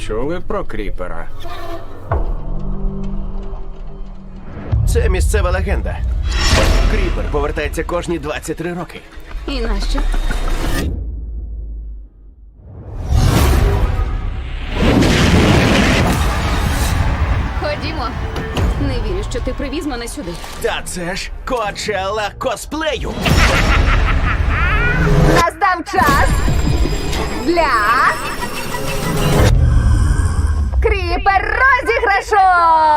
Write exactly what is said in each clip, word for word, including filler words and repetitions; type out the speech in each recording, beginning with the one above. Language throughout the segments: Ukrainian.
Чули про кріпера? Це місцева легенда. Кріпер повертається кожні двадцять три роки. І нащо? Ходімо. Не вірю, що ти привіз мене сюди. Та це ж Коачелла косплею. Настав час для кріпер розіграшу!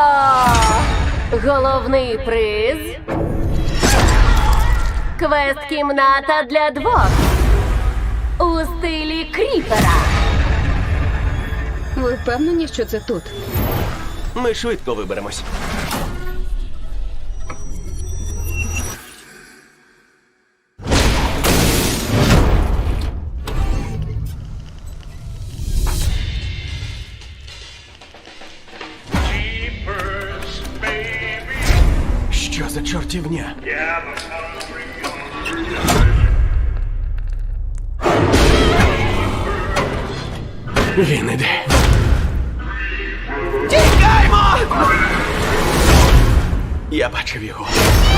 Головний приз квест-кімната для двох у стилі кріпера. Ви впевнені, що це тут? Ми швидко виберемось. Jeepers, baby. Що за чортівня? Yeah, the hungry, Він іде. Тікаймо! Я бачив його.